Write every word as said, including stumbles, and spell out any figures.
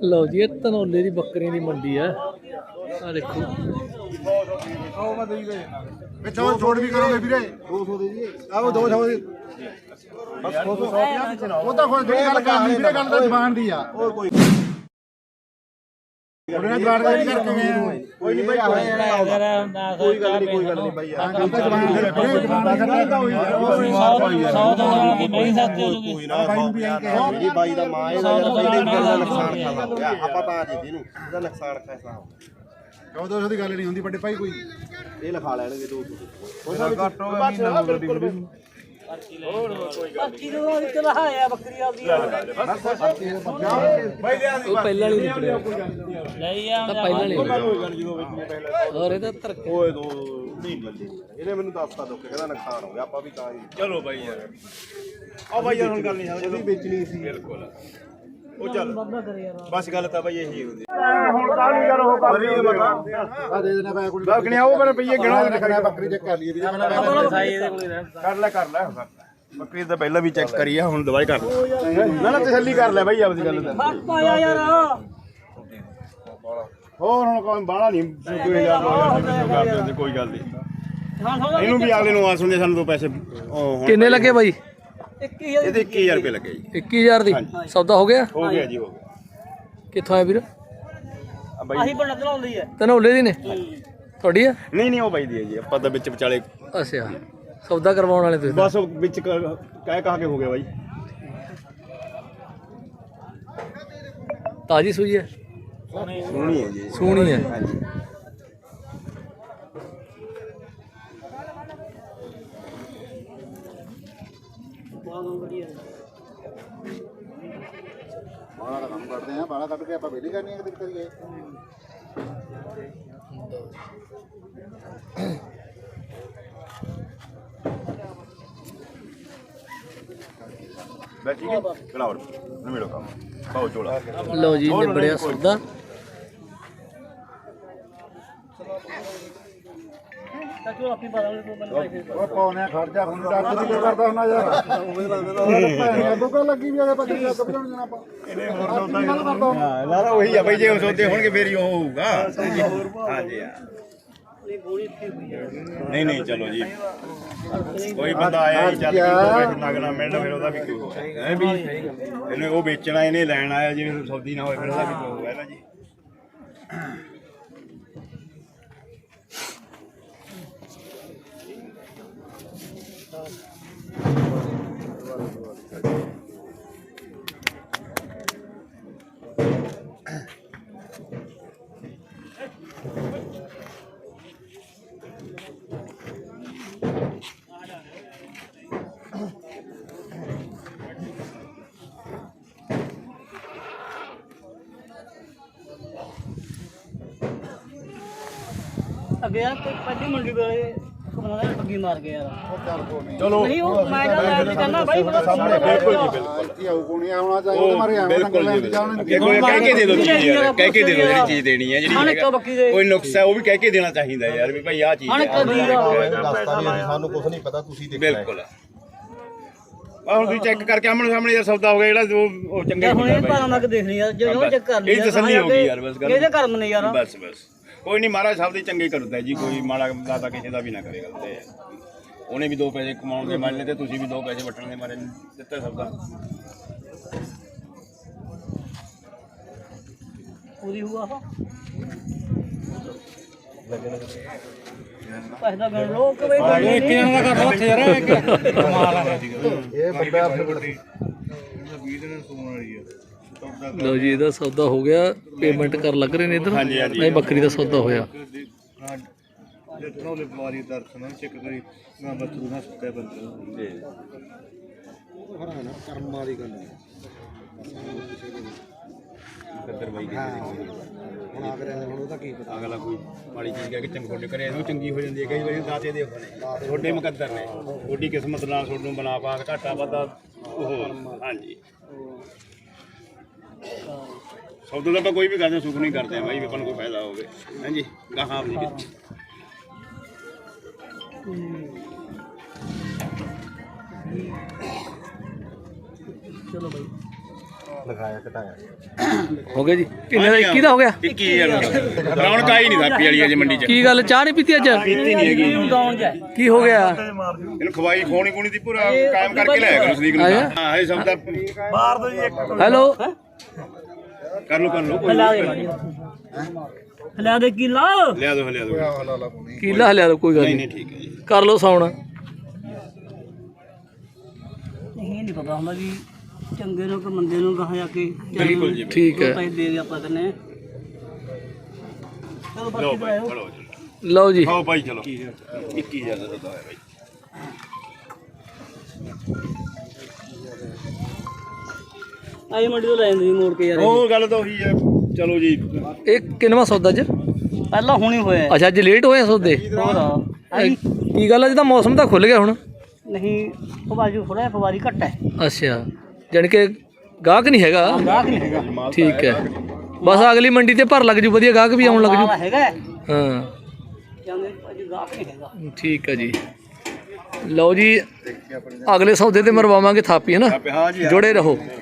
लो जी ये धनौले की बकरियां की मंडी है। आ देखो छोड़ भी करोगे ਵੀਰੇ दो सौ दे दिए आओ दो सौ बस दो सौ ਉਹ ਤਾਂ ਹੁਣ ਜਿਹੜੀ ਗੱਲ ਕਰਨੀ ਵੀਰੇ ਗੱਲ ਤਾਂ ਜ਼ਬਾਨ ਦੀ ਆ ਹੋਰ ਕੋਈ ਉਹਨੇ ਜਵਾਨ ਗੱਲ ਕਰਕੇ ਗਏ ਕੋਈ ਨਹੀਂ ਬਾਈ ਕੋਈ ਗੱਲ ਨਹੀਂ ਕੋਈ ਗੱਲ ਨਹੀਂ ਬਾਈ ਯਾਰ ਗੱਲ ਤਾਂ ਜ਼ਬਾਨ ਦੇ ਰੱਖੋ ਜ਼ਬਾਨ ਦਾ ਕਰਦਾ ਹੋਈ ਸੌ ਦੋ ਨਾਲ ਨਹੀਂ ਸਕਦੇ ਕੋਈ ਨਾ ਮੇਰੀ ਬਾਈ ਦਾ ਮਾਂ ਇਹਦਾ ਯਾਰ ਪਹਿਲੇ ਦਿਨ ਦਾ ਨੁਕਸਾਨ ਖਾਦਾ ਹੋ ਗਿਆ ਆਪਾਂ ਤਾਂ ਜੀ ਇਹਨੂੰ ਇਹਦਾ ਨੁਕਸਾਨ ਖਾਸਾ ਹੋ ਗਿਆ ਦੋ ਸੌ ਦੀ ਗੱਲ ਨਹੀਂ ਹੁੰਦੀ ਵੱਡੇ ਭਾਈ ਕੋਈ ਇਹ ਲਿਖਾ ਲੈਣਗੇ ਦੋ ਸੌ ਕੋਈ ਨਾ ਘੱਟ ਹੋ ਗਿਆ ਮਹੀਨਾ ਬਿਲਕੁਲ ਵੀ ਹੋਰ ਕੋਈ ਗੱਲ ਨਹੀਂ ਕਿਲੋ ਵਿੱਚ ਲਹਾਇਆ ਬੱਕਰੀ ਆਦੀ ਬਾਈ ਲਿਆ ਉਹ ਪਹਿਲਾਂ ਵਾਲੀ ਨਿਕਲਿਆ ਲਈ ਆ ਤਾਂ ਪਹਿਲਾਂ ਵਾਲੀ ਜਦੋਂ ਵੇਚਣੇ ਪਹਿਲਾਂ और ਇਹਦਾ ਧਰਕੇ ਓਏ ਦੋ ਨਹੀਂ ਲੱਗੀ ਇਹਨੇ ਮੈਨੂੰ ਦੱਸਤਾ ਦੁੱਖ ਕਹਿੰਦਾ ਨੁਕਸਾਨ ਹੋ ਗਿਆ ਆਪਾਂ ਵੀ ਤਾਂ ਹੀ ਚਲੋ ਬਾਈ ਯਾਰ ਆ ਬਾਈ ਯਾਰ ਹੁਣ ਗੱਲ ਨਹੀਂ ਸਮਝਦੀ ਉਹਦੀ ਵੇਚਣੀ ਸੀ ਬਿਲਕੁਲ ਉਹ ਚੱਲ ਬਸ ਗੱਲ ਤਾਂ ਬਾਈ ਇਹੀ ਹੁੰਦੀ ਹੁਣ ਕਾਹਨੂੰ ਯਾਰ ਉਹ ਬੱਕਰੀ ਦੇ ਬਤਾ ਆ ਦੇ ਦੇਣਾ ਪੈ ਕੋਈ ਲੱਗਣਿਆ ਉਹ ਮੇਰੇ ਪਈਏ ਗਿਣੋ ਲਿਖਣਾ ਬੱਕਰੀ ਚੈੱਕ ਕਰ ਲਈਏ ਵੀਰੇ ਕਰ ਲੈ ਕਰ ਲੈ ਬੱਕਰੀ ਤਾਂ ਪਹਿਲਾਂ ਵੀ ਚੈੱਕ ਕਰੀ ਆ ਹੁਣ ਦਵਾਈ ਕਰ ਲੈ ਨਾ ਨਾ ਤਸੱਲੀ ਕਰ ਲੈ ਬਾਈ ਆਪਦੀ ਗੱਲ ਤਾਂ ਪਾਇਆ ਯਾਰ ਹੋਰ ਹੁਣ ਕੋਈ ਬਾਹਲਾ ਨਹੀਂ ਦੋ ਹਜ਼ਾਰ ਕੋਈ ਗੱਲ ਨਹੀਂ ਇਹਨੂੰ ਵੀ ਅਗਲੇ ਨੂੰ ਆਸ ਹੁੰਦੀ ਸਾਨੂੰ ਤੋਂ ਪੈਸੇ ਹੁਣ किन्ने लगे भाई? ਇਹਦੇ ਇੱਕੀ ਹਜ਼ਾਰ ਰੁਪਏ ਲੱਗੇ ਜੀ इक्की हजार दी सौदा हो गया? ਹੋ ਗਿਆ ਜੀ ਹੋ ਗਿਆ कित्थों आया वीर? ਆ ਬਾਈ ਆਹੀ ਬਣਾ ਚਲਾਉਂਦੀ ਹੈ धनौले दी ने थोड़ी है? ਨਹੀਂ ਨਹੀਂ ਉਹ ਬਾਈ ਦੀ ਹੈ ਜੀ ਆਪਾਂ ਤਾਂ ਵਿੱਚ ਵਿਚਾਲੇ अच्छा सौदा करवाने वाले तुसीं ਬਸ ਉਹ ਵਿੱਚ ਕ- ਕਹਿ ਕਹਾ ਕੇ ਹੋ ਗਿਆ ਬਾਈ ताजी सुई है? ਸੋਹਣੀ ਹੈ ਜੀ सोहनी है। ਹਾਂਜੀ ਬਾਹਲਾ ਦਾ ਕੰਮ ਕਰਦੇ ਆ ਬਾਹਲਾ ਕੱਢ ਕੇ ਆਪਾਂ ਵੇਲੀ ਕਰਨੀ ਹੈ ਕਿਤੇ ਕਰੀਏ ਬਸ ਠੀਕ ਹੈ ਕਲਾਉਡ ਨਵੇੜੋ ਕੰਮ ਪਾਓ ਚੋਲਾ लो जी निबड़िया सौदा ਚਾਚੂ ਆਪੀ ਪਤਾ ਨਹੀਂ ਕੋਈ ਬੰਦਾ ਉਹ ਕੌਣ ਹੈ ਖੜ ਜਾ ਹੁਣ ਡਾਕਟਰ ਦੀ ਕਰਦਾ ਹੁੰਦਾ ਯਾਰ ਉਵੇਂ ਲੱਗਦਾ ਭੈਣ ਦੁੱਕਾ ਲੱਗੀ ਵੀ ਆ ਪੱਕੀ ਲੱਗ ਬਣ ਜਾਣਾ ਆਪਾਂ ਇਹਨੇ ਹੋਰ ਸੌਦਾ ਹਾਂ ਲਾਰਾ ਉਹੀ ਆ ਬਈ ਜੇ ਉਹ ਸੌਦੇ ਹੋਣਗੇ ਫੇਰ ਹੀ ਉਹ ਹੋਊਗਾ ਹਾਂਜੀ ਹਾਂ ਨਹੀਂ ਨਹੀਂ ਚਲੋ ਜੀ ਕੋਈ ਬੰਦਾ ਆਇਆ ਹੀ ਚੱਲ ਕੇ ਕੋਈ ਨਗਣਾ ਮਿਲਣਾ ਫਿਰ ਉਹਦਾ ਵੀ ਕੀ ਹੋਊਗਾ ਐ ਵੀ ਇਹਨੇ ਉਹ ਵੇਚਣਾ ਇਹਨੇ ਲੈਣ ਆਇਆ ਜਿਵੇਂ ਸੌਦੀ ਨਾ ਹੋਏ ਫਿਰ ਉਹਦਾ ਵੀ ਕੀ ਹੋਊਗਾ ਨਾ ਜੀ ਅੱਗੇ ਯਾਰ ਪਹਿਲੀ ਮੰਡੀ ਵੇਲੇ ਕਮਾਉਂਦਾ ਬੱਗੀ ਮਾਰ ਗਿਆ ਯਾਰ ਚਲੋ ਨਹੀਂ ਉਹ ਮੈਂ ਤਾਂ ਮੈਂ ਵੀ ਕਹਿੰਦਾ ਬਾਈ ਬੜਾ ਸਾਹਮਣੇ ਬਿਲਕੁਲ ਜੀ ਬਿਲਕੁਲ ਕੀ ਆਉ ਕੋਣੀ ਆਉਣਾ ਚਾਹੀਦਾ ਮਾਰੇ ਆਉਣਾ ਬਿਲਕੁਲ ਜੀ ਅੱਗੇ ਕੋਈ ਕਹਿ ਕੇ ਦੇ ਦੋ ਚੀਜ਼ ਯਾਰ ਕਹਿ ਕੇ ਦੇ ਦੋ ਜਿਹੜੀ ਚੀਜ਼ ਦੇਣੀ ਹੈ ਜਿਹੜੀ ਅਣਕ ਬੱਕੀ ਦੇ ਕੋਈ ਨੁਕਸ ਹੈ ਉਹ ਵੀ ਕਹਿ ਕੇ ਦੇਣਾ ਚਾਹੀਦਾ ਯਾਰ ਵੀ ਭਾਈ ਆਹ ਚੀਜ਼ ਅਣਕ ਦੀ ਦੱਸਤਾ ਵੀ ਸਾਨੂੰ ਕੁਝ ਨਹੀਂ ਪਤਾ ਤੁਸੀਂ ਦੇਖਣਾ ਬਿਲਕੁਲ ਆ ਹੁਣ ਤੁਸੀਂ ਚੈੱਕ ਕਰਕੇ ਆਮਣ ਸਾਹਮਣੇ ਯਾਰ ਸੌਦਾ ਹੋ ਗਿਆ ਜਿਹੜਾ ਉਹ ਉਹ ਚੰਗਾ ਹੀ ਹੁਣ ਹੁੰਦਾ ਇਹ ਭਾਰਾਂ ਲੱਗ ਦੇਖਣੀ ਯਾਰ ਜਦੋਂ ਚੈੱਕ ਕਰ ਲਈ ਇਹ ਤਸੱਲੀ ਹੋ ਗਈ ਯਾਰ ਬਸ ਗੱਲ ਇਹਦੇ ਕਰਮ ਨੇ ਯਾਰ ਬਸ ਬਸ ਕੋਈ ਨਹੀਂ ਮਹਾਰਾਜ ਸਭ ਦੀ ਚੰਗੀ ਕਰਦਾ ਜੀ ਕੋਈ ਮਾੜਾ ਦਾਤਾ ਕਿਸੇ ਦਾ ਵੀ ਨਾ ਕਰੇ ਗੱਲ ਤੇ ਉਹਨੇ ਵੀ ਦੋ ਪੈਸੇ ਕਮਾਉਣ ਦੇ ਮਾਰੇ ਤੇ ਤੁਸੀਂ ਵੀ ਦੋ ਪੈਸੇ ਵਟਣ ਦੇ ਮਾਰੇ ਦਿੱਤਾ ਸਭ ਦਾ ਪੂਰੀ ਹੁਆ ਹੋ ਪੈਸੇ ਦਾ ਗਣ ਲੋ ਕਿ ਬਈ ਇੱਕ ਜਣਾ ਦਾ ਕਰ ਉੱਥੇ ਯਾਰ ਕਮਾਲ ਆ ਇਹ ਬੰਦਾ लो जी ਇਹਦਾ ਸੌਦਾ ਹੋ ਗਿਆ ਪੇਮੈਂਟ ਕਰ ਲੱਗ ਰਹੇ ਨੇ ਇਧਰ ਹਾਂਜੀ, ਹਾਂਜੀ। ਨਹੀਂ ਬੱਕਰੀ ਦਾ ਸੌਦਾ ਹੋਇਆ ਜਿੱਤਨੋਂ ਵਾਰੀ ਦਰਸ਼ਨ ਚੈੱਕ ਕਰੀ ਨਾ ਬੱਤਰੂ ਨਾ ਸੁੱਕੇ ਬੰਦੇ ਜੀ ਹਰਾਣਾ ਕਰਮਾਂ ਦੀ ਗੱਲ ਹੈ ਕਦਰ ਬਾਈ ਹੁਣ ਆ ਕਰਿਆ ਹੁਣ ਉਹਦਾ ਕੀ ਪਤਾ ਅਗਲਾ ਕੋਈ ਮਾੜੀ ਚੀਜ਼ ਕਹਿ ਕੇ ਚੰਗੋਡੇ ਕਰੇ ਇਹਨੂੰ ਚੰਗੀ ਹੋ ਜਾਂਦੀ ਹੈ ਕਈ ਵਾਰੀ ਦਾਤੇ ਦੇ ਹੋਣੇ ਤੁਹਾਡੇ ਮੁਕੱਦਰ ਨੇ ਤੁਹਾਡੀ ਕਿਸਮਤ ਨਾਲ ਤੁਹਾਨੂੰ ਬਣਾ ਪਾ ਕੇ ਘਾਟਾ ਵਾਧਾ ਉਹ ਹਾਂਜੀ ਸੌਦਾ ਤਾਂ ਆਪਾਂ ਕੋਈ ਵੀ ਕਰਦੇ ਸੁੱਖ ਨਹੀਂ ਕਰਦੇ ਆ ਬਾਈ ਵੀ ਆਪਾਂ ਨੂੰ ਕੋਈ ਫਾਇਦਾ ਹੋਵੇ ਹਾਂਜੀ ਗਾਹਾਂ ਨਹੀਂ ਚਲੋ ਬਾਈ ਲਿਖਾਇਆ ਘਟਾਇਆ ਹੋ ਗਿਆ ਜੀ ਕਿੰਨੇ ਦਾ ਇੱਕੀ ਦਾ ਹੋ ਗਿਆ ਇੱਕੀ ਹਜ਼ਾਰ ਰੌਣਕ ਆਈ ਨਹੀਂ ਥਾਪੀ ਵਾਲੀ ਅਜੇ ਮੰਡੀ 'ਚ ਕੀ ਗੱਲ ਚਾਹ ਨਹੀਂ ਪੀਤੀ ਅੱਜ ਪੀਤੀ ਨਹੀਂ ਹੈਗੀ ਡਾਊਨ ਜਾ ਕੀ ਹੋ ਗਿਆ ਇਹਨੂੰ ਖਵਾਈ ਖੋਣੀ ਕੋਣੀ ਦੀ ਪੂਰਾ ਕਾਇਮ ਕਰਕੇ ਲਿਆਇਆ ਕਰੋ ਸਲੀਕ ਨੂੰ ਆਇਆ? ਹਾਂ ਇਹ ਸਭ ਦਾ ਮਾਰ ਦੋ ਜੀ ਇੱਕ ਹੈਲੋ ਕਰ ਲੋ ਕਰ ਲੋ ਹਲਾ ਦੇ ਮਾੜੀ ਹਲਾ ਦੇ ਕਿਲਾ ਲਿਆ ਦੋ ਲਿਆ ਦੋ ਕੀਲਾ ਹਲਿਆ ਦੋ ਕੋਈ ਗੱਲ ਨਹੀਂ ਨਹੀਂ ਨਹੀਂ ਠੀਕ ਹੈ ਜੀ ਕਰ ਲਓ ਸੌਣ ਇਹ ਨਹੀਂ ਪਤਾ ਹੁੰਦਾ ਵੀ ਚੰਗੇ ਨੂੰ ਕਿ ਮੰਦੇ ਨੂੰ ਕਹਾਂ ਜਾ ਕੇ ਬਿਲਕੁਲ ਜੀ ਠੀਕ ਹੈ ਪੈਸੇ ਦੇ ਦੇ ਆਪਾਂ ਕਰਨੇ ਚਲੋ ਲਓ ਬਾਕੀ ਭਾਈ ਕਰਾਇਓ ਚਲੋ ਲਓ ਜੀ ਖਾਓ ਭਾਈ ਚਲੋ ਇੱਕੀ ਹਜ਼ਾਰ ਦਾ ਸੌਦਾ ਹੋਇਆ ਭਾਈ ਆਈ ਮੰਡੀ ਤੋਂ ਲੈ ਜਾਂਦੇ ਜੀ ਮੋੜ ਕੇ ਯਾਰ ਉਹ ਗੱਲ ਤਾਂ ਉਹੀ ਹੈ ਚਲੋ ਜੀ ਇਹ ਕਿੰਨਵਾਂ ਸੌਦਾ ਅੱਜ ਪਹਿਲਾਂ ਹੁਣੀ ਹੋਇਆ ਅੱਛਾ ਅੱਜ ਲੇਟ ਹੋਏ ਆ ਸੌਦੇ ਹੋਰ ਆਈ ਕੀ ਗੱਲ ਅੱਜ ਤਾਂ ਮੌਸਮ ਤਾਂ ਖੁੱਲ ਗਿਆ ਹੁਣ ਨਹੀਂ ਫਵਾਜੂ ਥੋੜਾ ਫਵਾਰੀ ਘੱਟ ਹੈ ਅੱਛਾ ਜਾਣੀ ਕਿ ਗਾਹਕ ਨਹੀਂ ਹੈਗਾ ਗਾਹਕ ਨਹੀਂ ਹੈਗਾ ਠੀਕ ਹੈ ਬਸ ਅਗਲੀ ਮੰਡੀ ਤੇ ਭਰ ਲੱਗ ਜੂ ਵਧੀਆ ਗਾਹਕ ਵੀ ਆਉਣ ਲੱਗ ਜੂ ਮਾਲ ਹੈਗਾ ਹਾਂ ਜਾਂਦੇ ਅਜੇ ਗਾਹਕ ਨਹੀਂ ਹੈਗਾ ਠੀਕ ਹੈ ਜੀ ਲਓ ਜੀ ਅਗਲੇ ਸੌਦੇ ਤੇ ਮਰਵਾਵਾਂਗੇ ਥਾਪੀ ਹੈ ਨਾ ਹਾਂ ਜੀ ਜੁੜੇ ਰਹੋ